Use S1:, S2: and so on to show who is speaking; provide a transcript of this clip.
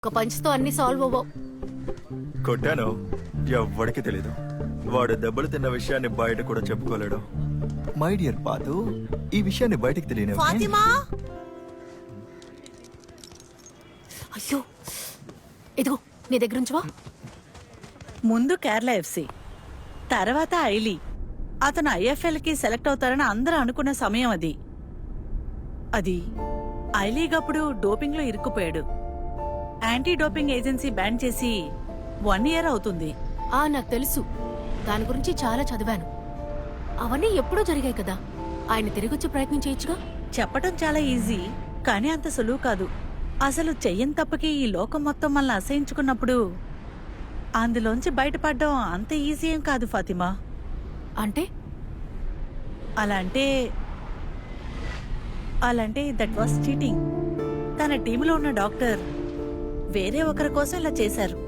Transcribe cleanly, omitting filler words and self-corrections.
S1: ఒక పంచ్తో అన్ని సాల్వ్ అవ్వవు.
S2: కొట్టాను, ఎవ్వడికి తెలీదు. వాడు దెబ్బలు తిన్న విషయాన్ని బయట కూడా చెప్పుకోలేడు. మై డియర్ పాతు, ఈ విషయాన్ని బయటకు తెలియని
S1: ఫాతిమా, అయ్యో ఇదిగో నీ దగ్గర ఉంచవా.
S3: ముందు కేరళ ఎఫ్సి, తర్వాత ఐలీ. అతను ఐఎఫ్ఎల్కి సెలెక్ట్ అవుతారని అందరూ అనుకున్న సమయం అది. అది ఐలీగప్పుడు డోపింగ్లో ఇరుక్కుపోయాడు. యాంటీ డోపింగ్ ఏజెన్సీ బ్యాన్ చేసి 1 year అవుతుంది.
S1: నాకు తెలుసు, దాని గురించి చాలా చదివాను. అవన్నీ ఎప్పుడూ జరిగాయి కదా, ఆయన తిరిగొచ్చే ప్రయత్నం చేయొచ్చుగా.
S3: చెప్పటం చాలా ఈజీ, కానీ అంత సులువు కాదు. అసలు చెయ్యని తప్పకి ఈ లోకం మొత్తం మనల్ని అసహించుకున్నప్పుడు అందులోంచి బయటపడడం అంత ఈజీ ఏం కాదు ఫాతిమా.
S1: అంటే
S3: అలాంటే దట్ వాస్ చీటింగ్. తన టీంలో ఉన్న డాక్టర్ వేరే ఒకరి కోసం ఇలా చేశారు.